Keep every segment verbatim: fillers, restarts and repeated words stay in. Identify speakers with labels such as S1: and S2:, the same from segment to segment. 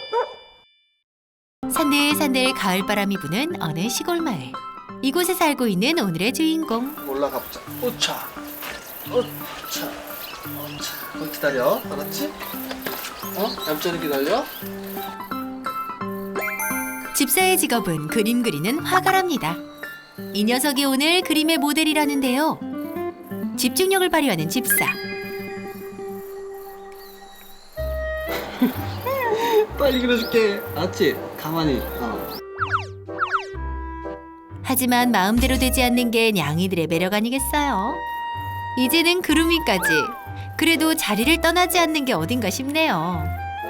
S1: 산들산들 가을바람이 부는 어느 시골 마을. 이곳에 살고 있는 오늘의 주인공.
S2: 올라가 보자. 오차, 오차, 오차. 거기 기다려. 알았지? 어? 얌전히 기다려.
S1: 집사의 직업은 그림 그리는 화가랍니다. 이 녀석이 오늘 그림의 모델이라는데요. 집중력을 발휘하는 집사.
S2: 빨리 그려줄게. 알았지? 가만히. 어.
S1: 하지만 마음대로 되지 않는 게 냥이들의 매력 아니겠어요? 이제는 그루미까지. 그래도 자리를 떠나지 않는 게 어딘가 싶네요.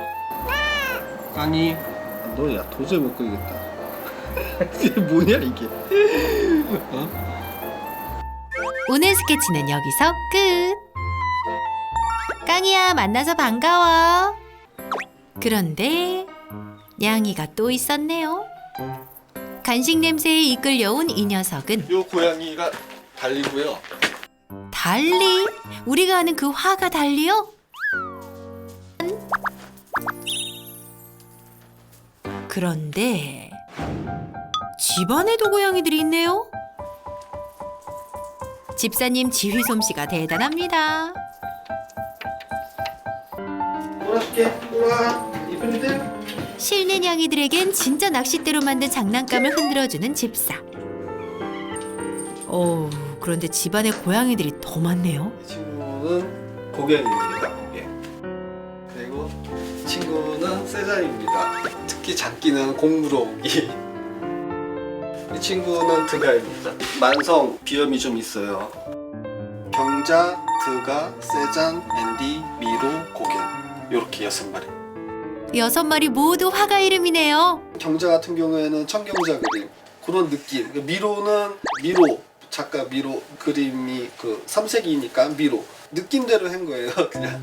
S2: 깡이. 너야 도저히 못 그리겠다. 이게 뭐냐 이게? 어?
S1: 오늘 스케치는 여기서 끝. 깡이야, 만나서 반가워. 그런데 냥이가 또 있었네요. 간식 냄새에 이끌려온 이 녀석은
S2: 요 고양이가 달리고요.
S1: 달리? 우리가 아는 그 화가 달리요? 그런데 집안에도 고양이들이 있네요. 집사님 지휘 솜씨가 대단합니다.
S2: 놀아줄게. 놀아. 이쁜이들.
S1: 실내 냥이들에겐 진짜 낚싯대로 만든 장난감을 흔들어주는 집사. 오, 그런데 집안에 고양이들이 더 많네요.
S2: 이 친구는 고갱입니다. 고갱. 그리고 이 친구는 세자입니다. 특히 장기는 공물어오기. 이 친구는 드가입니다. 만성 비염이 좀 있어요. 경자, 드가, 세잔, 앤디, 미로, 고갱. 이렇게 여섯 마리.
S1: 여섯 마리 모두 화가 이름이네요.
S2: 경자 같은 경우에는 청경자 그림 그런 느낌. 미로는 미로 작가 미로 그림이 그 삼색이니까 미로 느낌대로 한 거예요. 그냥.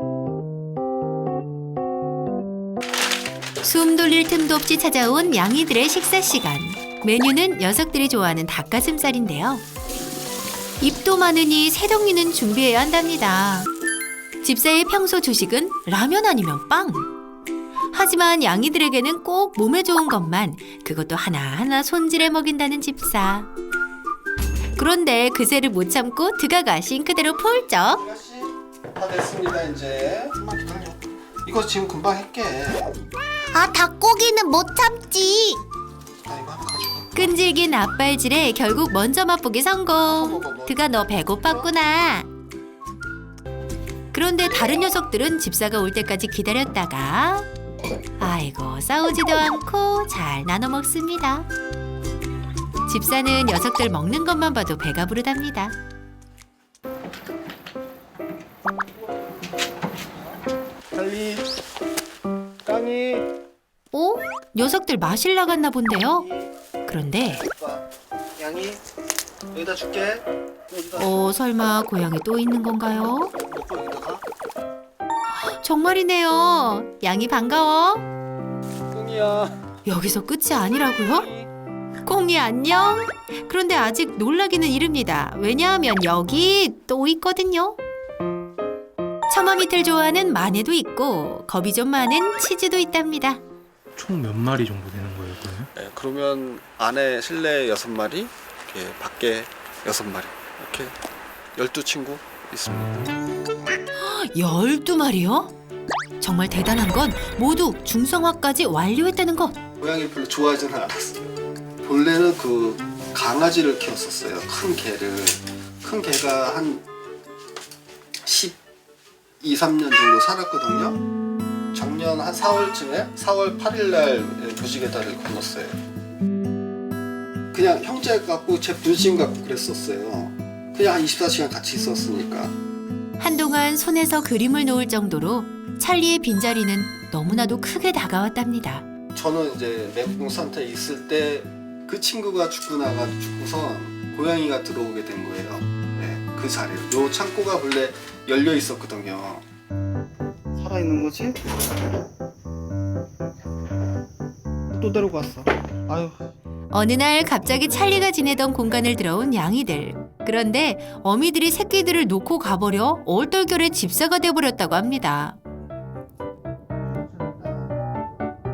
S1: 숨 돌릴 틈도 없이 찾아온 냥이들의 식사 시간. 메뉴는 녀석들이 좋아하는 닭가슴살인데요. 입도 많으니 새덩이는 준비해야 한답니다. 집사의 평소 주식은 라면 아니면 빵. 하지만 냥이들에게는 꼭 몸에 좋은 것만, 그것도 하나하나 손질해 먹인다는 집사. 그런데 그새를 못 참고 드가가 싱크대로 폴쩍.
S2: 아가씨 다 됐습니다. 이제 좀만 기다려. 이거 지금 금방 할게.
S3: 아, 닭고기는 못 참지.
S2: 나 이거 하나 가져가.
S1: 끈질긴 앞발질에 결국 먼저 맛보기 성공. 드가 너 배고팠구나. 그런데 다른 녀석들은 집사가 올 때까지 기다렸다가 아이고 싸우지도 않고 잘 나눠 먹습니다. 집사는 녀석들 먹는 것만 봐도 배가 부르답니다.
S2: 달리 깡이
S1: 어? 녀석들 마실 나갔나 본데요. 그런데
S2: 양이 여기다 줄게. 여기다.
S1: 어 설마 고양이 또 있는 건가요?
S2: 먹고 여기다가.
S1: 정말이네요. 양이 반가워.
S2: 꿍이야.
S1: 여기서 끝이 아니라고요? 꽁이 안녕? 그런데 아직 놀라기는 이릅니다. 왜냐하면 여기 또 있거든요. 처마 밑을 좋아하는 마네도 있고 겁이 좀 많은 치즈도 있답니다.
S4: 총 몇 마리 정도 되는 거예요, 그러면?
S2: 네, 그러면 안에 실내 여섯 마리, 이렇게 밖에 여섯 마리, 이렇게 열두 친구 있습니다.
S1: 열두 마리요? 정말 대단한 건 모두 중성화까지 완료했다는 것.
S2: 고양이 별로 좋아하지는 않았어요. 본래는 그 강아지를 키웠었어요. 큰 개를. 큰 개가 한 십이, 삼 년 정도 살았거든요. 작년 한 사월쯤에 사월 팔일 날 무지개 다리를 건넜어요. 그냥 형제 같고 제 분신 같고 그랬었어요. 그냥 한 이십사 시간 같이 있었으니까.
S1: 한동안 손에서 그림을 놓을 정도로 찰리의 빈자리는 너무나도 크게 다가왔답니다.
S2: 저는 이제 멘붕 상태에 있을 때 그 친구가 죽고 나가지고 죽고선 고양이가 들어오게 된 거예요. 네, 그 자리로. 요 창고가 본래 열려 있었거든요. 살아있는 거지? 또 데리고 왔어. 아유.
S1: 어느 날 갑자기 찰리가 지내던 공간을 들어온 양이들. 그런데 어미들이 새끼들을 놓고 가버려 얼떨결에 집사가 돼버렸다고 합니다.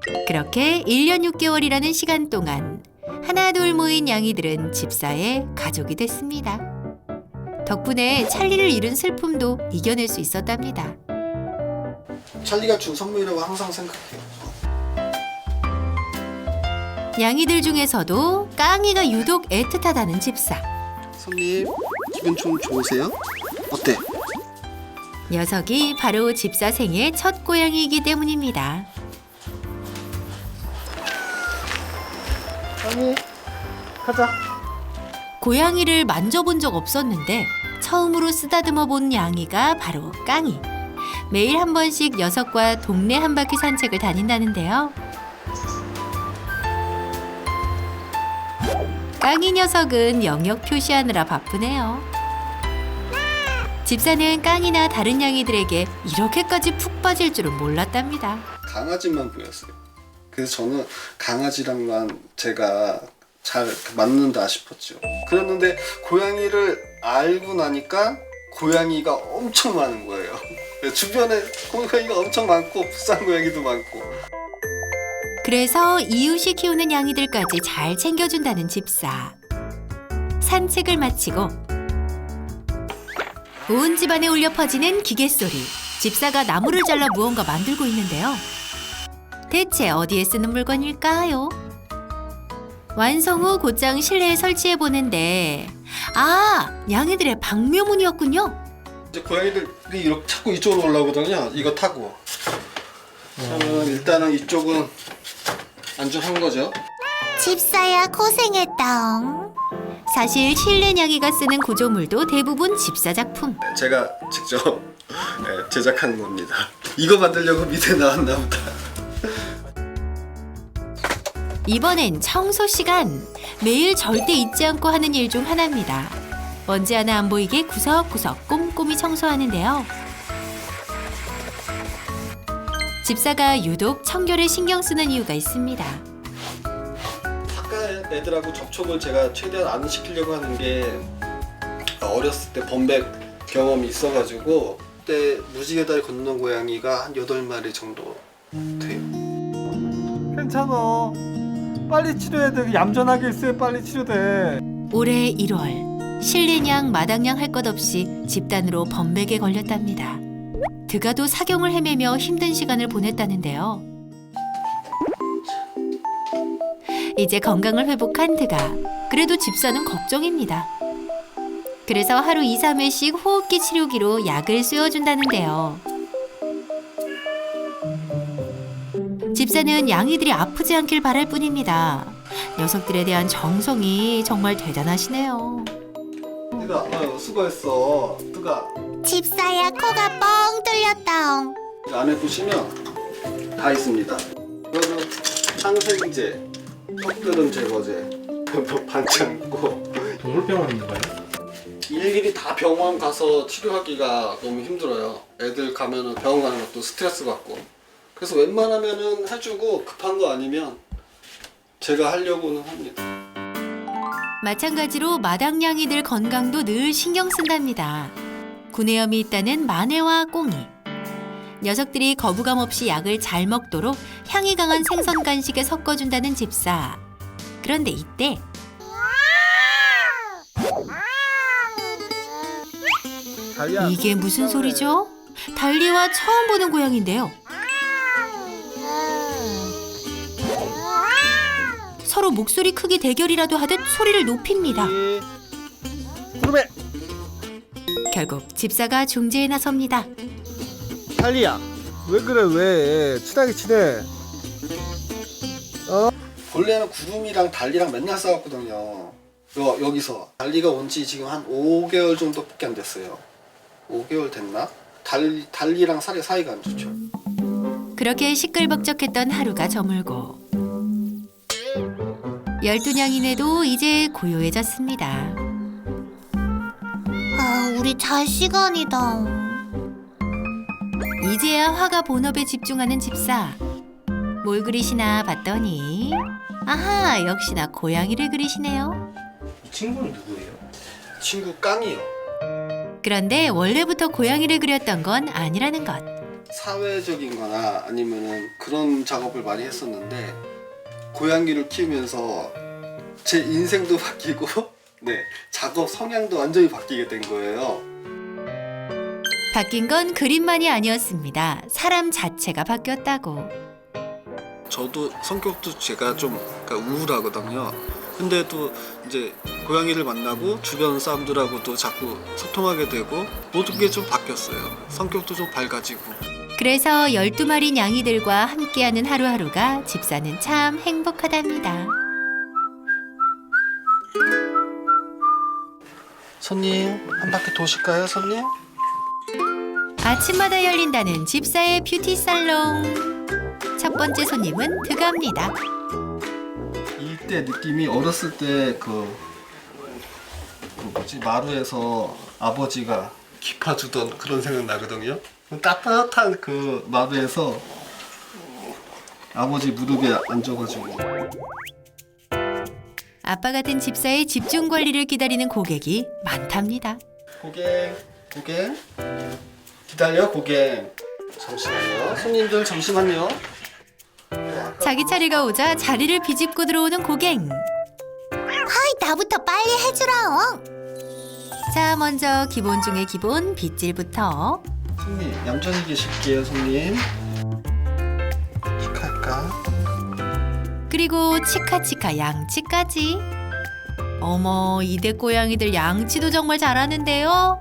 S1: 그렇게 일 년 육 개월이라는 시간 동안 하나둘 모인 양이들은 집사의 가족이 됐습니다. 덕분에 찰리를 잃은 슬픔도 이겨낼 수 있었답니다.
S2: 찰리가 준 선물이라고 항상 생각해요.
S1: 양이들 중에서도 깡이가 유독 애틋하다는 집사.
S2: 손님, 기분 좀 좋으세요? 어때?
S1: 녀석이 바로 집사 생의 첫 고양이이기 때문입니다.
S2: 아니, 가자.
S1: 고양이를 만져본 적 없었는데 처음으로 쓰다듬어 본 양이가 바로 깡이. 매일 한 번씩 녀석과 동네 한 바퀴 산책을 다닌다는데요. 깡이 녀석은 영역 표시하느라 바쁘네요. 집사는 깡이나 다른 양이들에게 이렇게까지 푹 빠질 줄은 몰랐답니다.
S2: 강아지만 보였어요. 그래서 저는 강아지랑만 제가 잘 맞는다 싶었죠. 그랬는데 고양이를 알고 나니까 고양이가 엄청 많은 거예요. 주변에 고양이가 엄청 많고 비싼 고양이도 많고.
S1: 그래서 이웃이 키우는 양이들까지 잘 챙겨준다는 집사. 산책을 마치고 온 집안에 울려 퍼지는 기계 소리. 집사가 나무를 잘라 무언가 만들고 있는데요. 대체 어디에 쓰는 물건일까요? 완성 후 곧장 실내에 설치해 보는데 아! 양이들의 방묘문이었군요.
S2: 이제 고양이들이 이렇게 자꾸 이쪽으로 올라오거든요. 이거 타고. 그러면 일단은 이쪽은 안전한 거죠.
S3: 집사야 고생했다옹.
S1: 사실 실내 양이가 쓰는 구조물도 대부분 집사 작품.
S2: 제가 직접 네, 제작한 겁니다. 이거 만들려고 밑에 나왔나 보다.
S1: 이번엔 청소 시간. 매일 절대 잊지 않고 하는 일 중 하나입니다. 먼지 하나 안 보이게 구석구석 꼼꼼히 청소하는데요. 집사가 유독 청결에 신경 쓰는 이유가 있습니다.
S2: 바깥 애들하고 접촉을 제가 최대한 안 시키려고 하는 게 어렸을 때 범백 경험이 있어가지고 그때 무지개다리 건너는 고양이가 한 여덟 마리 정도 돼요.
S5: 괜찮아. 빨리 치료해야 돼. 얌전하게 있어야 빨리 치료돼.
S1: 올해 일월 실내냥 마당냥 할 것 없이 집단으로 범백에 걸렸답니다. 드가도 사경을 헤매며 힘든 시간을 보냈다는데요. 이제 건강을 회복한 드가. 그래도 집사는 걱정입니다. 그래서 하루 이, 삼 회씩 호흡기 치료기로 약을 쐬어준다는데요. 집사는 양이들이 아프지 않길 바랄 뿐입니다. 녀석들에 대한 정성이 정말 대단하시네요.
S2: 뜨가 어, 수고했어. 뜨가
S3: 집사야 코가 뻥 뚫렸다옹.
S2: 안에 보시면 다 있습니다. 이거는 항생제, 턱드름 제거제, 반창 있고.
S4: 동물병원인가요?
S2: 일일이 다 병원 가서 치료하기가 너무 힘들어요. 애들 가면은 병원 가는 것도 스트레스 받고. 그래서 웬만하면은 해주고 급한 거 아니면 제가 하려고는 합니다.
S1: 마찬가지로 마당냥이들 건강도 늘 신경 쓴답니다. 구내염이 있다는 마네와 꽁이. 녀석들이 거부감 없이 약을 잘 먹도록 향이 강한 생선 간식에 섞어준다는 집사. 그런데 이때
S5: 달리야.
S1: 이게 무슨 소리죠? 달리와 처음 보는 고양인데요. 서로 목소리 크기 대결이라도 하듯 소리를 높입니다.
S5: 그러면
S1: 결국 집사가 중재에 나섭니다.
S5: 달리야. 왜 그래 왜? 친하게 지내.
S2: 원래는 구름이랑 달리랑 맨날 싸웠거든요. 여, 여기서 달리가 온 지 지금 한 오 개월 정도밖에 안 됐어요. 오 개월 됐나? 달, 달리랑 사이, 사이가 안 좋죠.
S1: 그렇게 시끌벅적했던 하루가 저물고 열두 냥이네도 이제 고요해졌습니다.
S3: 아 우리 잘 시간이다.
S1: 이제야 화가 본업에 집중하는 집사. 뭘 그리시나 봤더니 아하, 역시나 고양이를 그리시네요.
S4: 이 친구는 누구예요?
S2: 친구 깡이요.
S1: 그런데 원래부터 고양이를 그렸던 건 아니라는 것.
S2: 사회적인 거나 아니면은 그런 작업을 많이 했었는데 고양이를 키우면서 제 인생도 바뀌고 네, 작업 성향도 완전히 바뀌게 된 거예요.
S1: 바뀐 건 그림만이 아니었습니다. 사람 자체가 바뀌었다고.
S2: 저도 성격도 제가 좀 그러니까 우울하거든요. 근데 또 이제 고양이를 만나고 주변 사람들하고도 자꾸 소통하게 되고 모든 게 좀 바뀌었어요. 성격도 좀 밝아지고.
S1: 그래서 열두 마리 냥이들과 함께하는 하루하루가 집사는 참 행복하답니다.
S2: 손님 한 바퀴 도실까요, 손님?
S1: 아침마다 열린다는 집사의 뷰티 살롱. 첫 번째 손님은 드갑니다.
S2: 이때 느낌이 어렸을 때그 그 뭐지 마루에서 아버지가 기파주던 그런 생각 나거든요. 따뜻한 그 마루에서 아버지 무릎에 앉아가지고
S1: 아빠 같은 집사의 집중 관리를 기다리는 고객이 많답니다.
S2: 고객 고객 기다려 고객 잠시만요. 손님들 잠시만요.
S1: 자기 차례가 오자 자리를 비집고 들어오는 고객.
S3: 아이, 나부터 빨리 해주라.
S1: 자, 먼저 기본 중에 기본 빗질부터.
S2: 손님 얌전히 계실게요, 손님. 축하할까?
S1: 그리고 치카치카 양치까지. 어머, 이대 고양이들 양치도 정말 잘하는데요.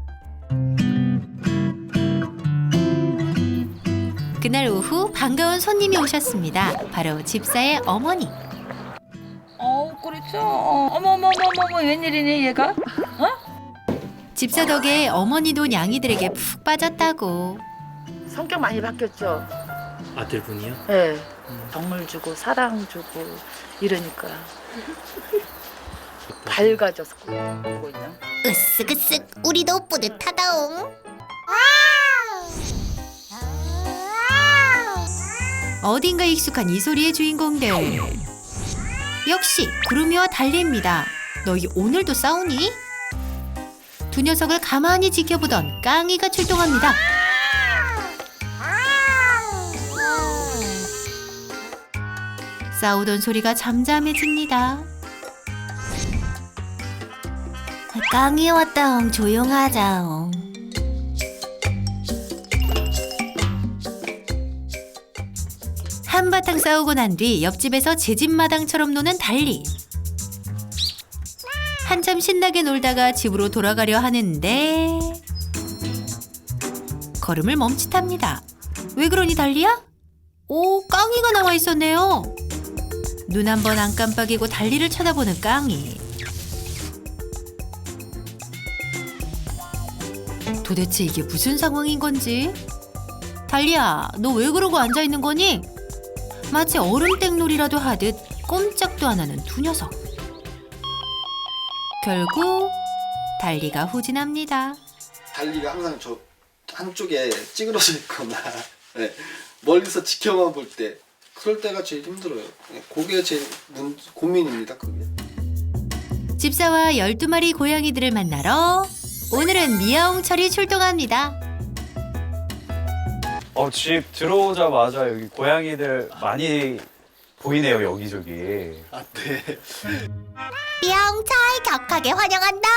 S1: 그날 오후 반가운 손님이 오셨습니다. 바로 집사의 어머니.
S6: 어, 그렇죠. 어, 어머, 어머, 어머, 어머, 웬일이니 얘가?
S1: 집사 덕에 어머니도 냥이들에게 푹 빠졌다고.
S7: 성격 많이 바뀌었죠.
S4: 아들분이요?
S7: 네. 덕물 주고 사랑 주고 이러니까 밝아져서 보고 있나?
S3: 으쓱으쓱 우리도 뿌듯하다옹.
S1: 어딘가 익숙한 이 소리의 주인공들. 역시 구름이와 달리입니다. 너희 오늘도 싸우니? 두 녀석을 가만히 지켜보던 깡이가 출동합니다. 싸우던 소리가 잠잠해집니다.
S3: 깡이 왔다옹. 조용하자옹.
S1: 한바탕 싸우고 난 뒤 옆집에서 제 집 마당처럼 노는 달리. 한참 신나게 놀다가 집으로 돌아가려 하는데 걸음을 멈칫합니다. 왜 그러니 달리야? 오, 깡이가 나와 있었네요. 눈 한 번 안 깜빡이고 달리를 쳐다보는 깡이. 도대체 이게 무슨 상황인 건지? 달리야, 너 왜 그러고 앉아 있는 거니? 마치 얼음땡놀이라도 하듯 꼼짝도 안 하는 두 녀석. 결국 달리가 후진합니다.
S2: 달리가 항상 저 한쪽에 찌그러져 있거나 네, 멀리서 지켜만 볼 때 그럴 때가 제일 힘들어요. 네, 그게 제일 문, 고민입니다. 그게.
S1: 집사와 열두 마리 고양이들을 만나러 오늘은 미아옹철이 출동합니다.
S8: 어, 집 들어오자마자 여기 고양이들 많이 보이네요, 여기저기.
S2: 아, 네.
S3: 뿅철 격하게 환영한다옹.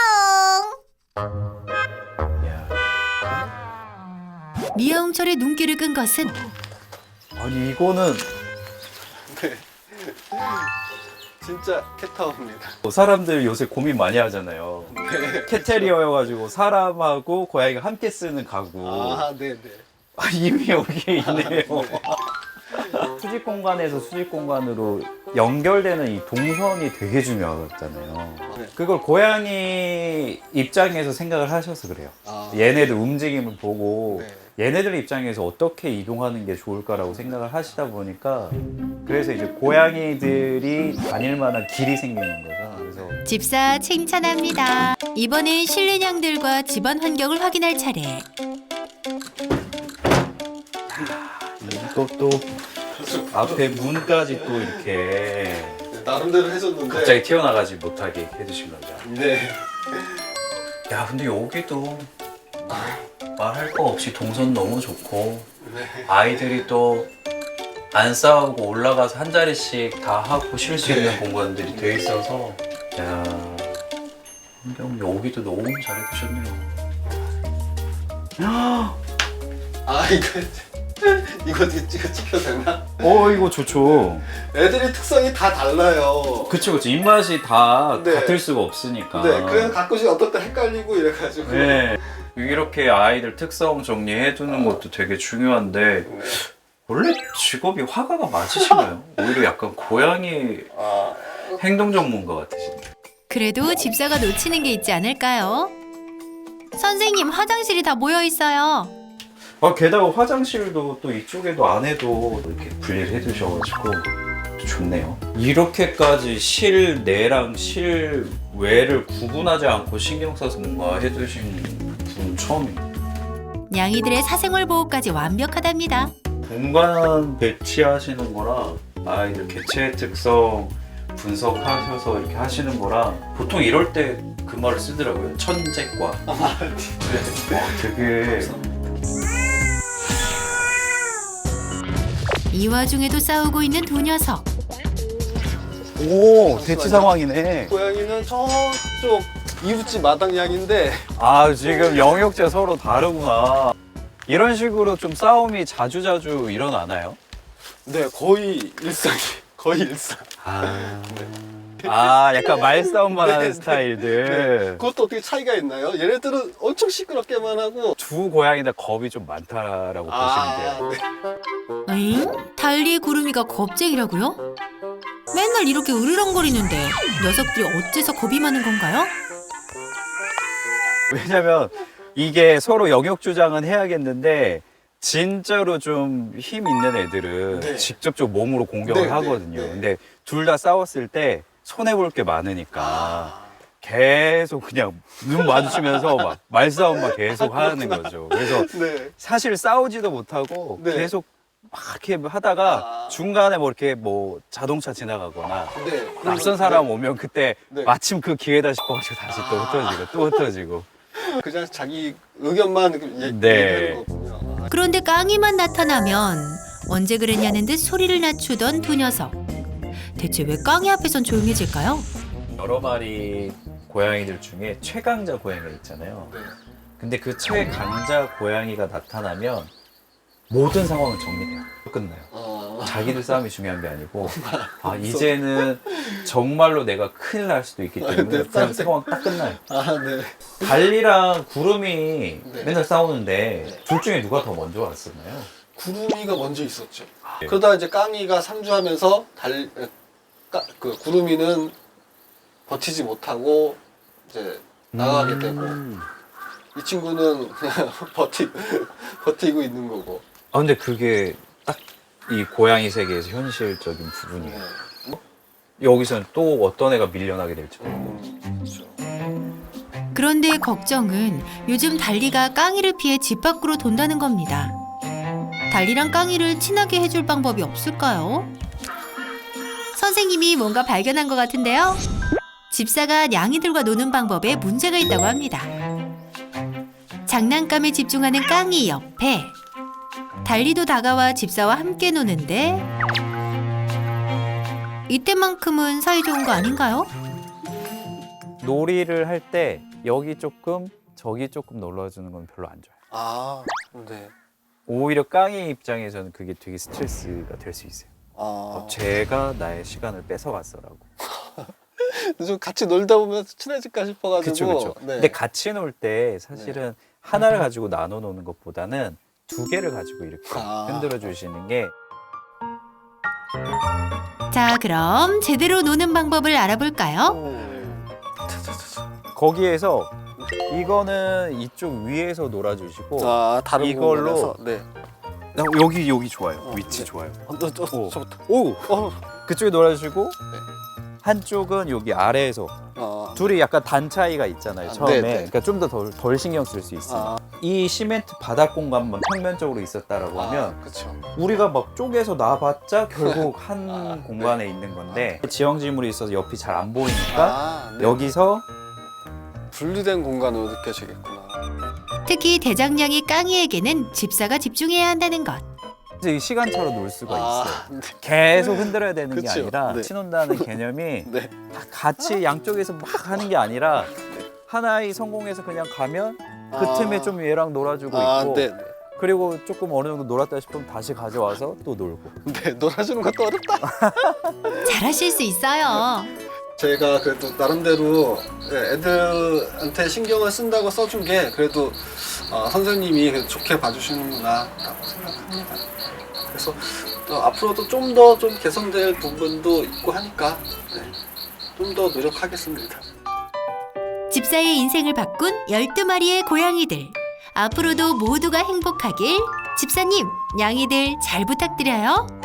S1: 미아옹철의 눈길을 끈 것은
S8: 아니, 이거는
S2: 네. 진짜 캣타워입니다.
S8: 사람들 요새 고민 많이 하잖아요. 캣테리어여가지고 사람하고 고양이가 함께 쓰는 가구.
S2: 아, 네, 네.
S8: 아, 이미 여기에 있네요. 수직 공간에서 수직 공간으로 연결되는 이 동선이 되게 중요하잖아요.
S2: 네.
S8: 그걸 고양이 입장에서 생각을 하셔서 그래요.
S2: 아,
S8: 얘네들 움직임을 보고
S2: 네.
S8: 얘네들 입장에서 어떻게 이동하는 게 좋을까라고 생각을 하시다 보니까 그래서 이제 고양이들이 다닐 만한 길이 생기는 거죠. 그래서
S1: 집사 칭찬합니다. 이번엔 실내냥들과 집안 환경을 확인할 차례.
S8: 이것도 앞에 문까지 또 이렇게
S2: 나름대로 해줬는데
S8: 갑자기 튀어나가지 못하게 해주신 거죠.
S2: 네.
S8: 야, 근데 여기도 말할 거 없이 동선 너무 좋고
S2: 네.
S8: 아이들이 또 안 싸우고 올라가서 한 자리씩 다 하고 쉴 수 있는 공간들이 돼 있어서 야 환경 오기도 너무 잘해주셨네요.
S2: 아 이거 이거 찍어 찍혀도 되나?
S8: 어 이거 좋죠.
S2: 애들이 특성이 다 달라요.
S8: 그쵸 그쵸 입맛이 다
S2: 네.
S8: 같을 수가 없으니까.
S2: 네, 그래서 가끔씩 어떨 때 헷갈리고 이래가지고.
S8: 네. 이렇게 아이들 특성 정리해 두는 것도 되게 중요한데
S2: 네.
S8: 원래 직업이 화가가 맞으신가요? 오히려 약간 고양이
S2: 아,
S8: 행동 전문가 같으신데.
S1: 그래도 집사가 놓치는 게 있지 않을까요? 선생님, 화장실이 다 모여 있어요.
S8: 아, 게다가 화장실도 또 이쪽에도 안에도 이렇게 분리를 해두셔가지고 좋네요. 이렇게까지 실내랑 실외를 구분하지 않고 신경 써서 뭔가 해두신 분 처음이에요.
S1: 냥이들의 사생활 보호까지 완벽하답니다.
S8: 공간 배치하시는 거랑 아이들 개체 특성 분석하셔서 이렇게 하시는 거랑 보통 이럴 때 그 말을 쓰더라고요. 천재과.
S2: 아, 네.
S8: 와, 되게
S1: 이 와중에도 싸우고 있는 두 녀석.
S8: 오 대치 상황이네.
S2: 고양이는 저쪽 이웃집 마당냥인데
S8: 아 지금 영역제 서로 다르구나. 이런 식으로 좀 싸움이 자주자주 일어나나요?
S2: 네 거의 일상이 거의 일상.
S8: 아, 아 약간 말싸움만
S2: 네,
S8: 하는
S2: 네,
S8: 스타일들.
S2: 네. 그것도 어떻게 차이가 있나요? 얘네들은 엄청 시끄럽게만 하고.
S8: 두 고양이 다 겁이 좀 많다라고 보시면 돼요.
S2: 네.
S1: 에잉? 달리 구름이가 겁쟁이라고요? 맨날 이렇게 으르렁거리는데 녀석들이 어째서 겁이 많은 건가요?
S8: 왜냐면 이게 서로 영역 주장은 해야겠는데 진짜로 좀 힘 있는 애들은
S2: 네.
S8: 직접적 몸으로 공격을
S2: 네, 네,
S8: 하거든요.
S2: 네.
S8: 근데 둘 다 싸웠을 때 손해 볼 게 많으니까
S2: 아,
S8: 계속 그냥 눈 마주치면서 막 말싸움만 계속 하는 거죠. 그래서
S2: 네.
S8: 사실 싸우지도 못하고
S2: 네.
S8: 계속 막 이렇게 하다가
S2: 아.
S8: 중간에 뭐 이렇게 뭐 자동차 지나가거나
S2: 네.
S8: 낯선 사람 오면 그때
S2: 네.
S8: 마침 그 기회다 싶어가지고 다시 또
S2: 아.
S8: 흩어지고 또 흩어지고.
S2: 그냥 자기 의견만 얘-
S8: 네.
S2: 얘기하는 거군요.
S1: 그런데 깡이만 나타나면 언제 그랬냐는 듯 소리를 낮추던 두 녀석. 대체 왜 깡이 앞에선 조용해질까요?
S8: 여러 마리 고양이들 중에 최강자 고양이가 있잖아요.
S2: 네.
S8: 근데 그 최강자 고양이가 나타나면 모든 상황은 정리돼요. 끝나요.
S2: 어.
S8: 자기들 싸움이 중요한 게 아니고 아 이제는 정말로 내가 큰일 날 수도 있기 때문에
S2: 네,
S8: 그냥
S2: 싸움
S8: 상황 딱 끝나요.
S2: 아, 네.
S8: 달리랑 구름이
S2: 네.
S8: 맨날 싸우는데
S2: 네.
S8: 둘 중에 누가 더 먼저 왔었나요?
S2: 구름이가 먼저 있었죠.
S8: 네.
S2: 그러다 이제 깡이가 상주하면서 달, 까, 그 구름이는 버티지 못하고 이제 나가게 되고
S8: 음.
S2: 이 친구는 그냥 버티, 버티고 있는 거고.
S8: 아 근데 그게 딱 이 고양이 세계에서 현실적인 부분이에요.
S2: 네.
S8: 여기서는 또 어떤 애가 밀려나게 될지 모르고.
S2: 음, 그렇죠.
S1: 그런데 걱정은 요즘 달리가 깡이를 피해 집 밖으로 돈다는 겁니다. 달리랑 깡이를 친하게 해줄 방법이 없을까요? 선생님이 뭔가 발견한 것 같은데요. 집사가 냥이들과 노는 방법에 문제가 있다고 합니다. 장난감에 집중하는 깡이 옆에 달리도 다가와 집사와 함께 노는데 이때만큼은 사이 좋은 거 아닌가요?
S8: 놀이를 할 때 여기 조금 저기 조금 놀러주는 건 별로 안 좋아요.
S2: 아, 네.
S8: 오히려 깡이 입장에서는 그게 되게 스트레스가 될 수 있어요.
S2: 아,
S8: 어, 제가 나의 시간을 뺏어갔어라고.
S2: 좀 같이 놀다 보면 친해질까 싶어가지고.
S8: 그쵸 그쵸.
S2: 네.
S8: 근데 같이 놀 때 사실은 하나를 가지고 나눠 노는 것보다는 두 개를 가지고 이렇게
S2: 아.
S8: 흔들어 주시는 게
S1: 자, 그럼 제대로 노는 방법을 알아볼까요?
S2: 오. 차차차차.
S8: 거기에서 이거는 이쪽 위에서 놀아주시고
S2: 아, 다른
S8: 이걸로
S2: 공간에서? 네.
S8: 나 여기 여기 좋아요.
S2: 어,
S8: 위치
S2: 네.
S8: 좋아요.
S2: 어, 너, 저,
S8: 오.
S2: 저부터.
S8: 오
S2: 어,
S8: 그쪽에 놀아주시고 한쪽은 여기 아래에서
S2: 어.
S8: 둘이 약간 단 차이가 있잖아요.
S2: 아,
S8: 처음에.
S2: 네, 네.
S8: 그러니까 좀 더 덜 덜 신경 쓸 수 있어요.
S2: 아,
S8: 이 시멘트 바닥 공간만 평면적으로 있었다라고 하면
S2: 아, 그쵸.
S8: 우리가 막 쪼개서 놔봤자 결국 한
S2: 아,
S8: 공간에 있는 건데 지형지물이 있어서 옆이 잘 안 보이니까
S2: 아, 네.
S8: 여기서
S2: 분리된 공간으로 느껴지겠구나.
S1: 특히 대장냥이 깡이에게는 집사가 집중해야 한다는 것.
S9: 이 시간차로 놀 수가 있어요.
S2: 아, 네.
S9: 계속 흔들어야 되는 게
S2: 그쵸.
S9: 아니라
S2: 네.
S9: 치논다는 개념이
S2: 네.
S9: 다 같이 양쪽에서 막 하는 게 아니라 하나의 성공해서 그냥 가면 그
S2: 아.
S9: 틈에 좀 얘랑 놀아주고
S2: 아,
S9: 있고
S2: 네, 네.
S9: 그리고 조금 어느 정도 놀았다 싶으면 다시 가져와서 또 놀고.
S2: 네, 놀아주는 것도 어렵다.
S1: 잘하실 수 있어요.
S2: 제가 그래도 나름대로 예, 애들한테 신경을 쓴다고 써준 게 그래도 어, 선생님이 그래도 좋게 봐주시는구나라고 생각합니다. 그래서 또 앞으로도 좀 더 좀 개선될 부분도 있고 하니까 네, 좀 더 노력하겠습니다.
S1: 집사의 인생을 바꾼 열두 마리의 고양이들. 앞으로도 모두가 행복하길 집사님, 냥이들 잘 부탁드려요.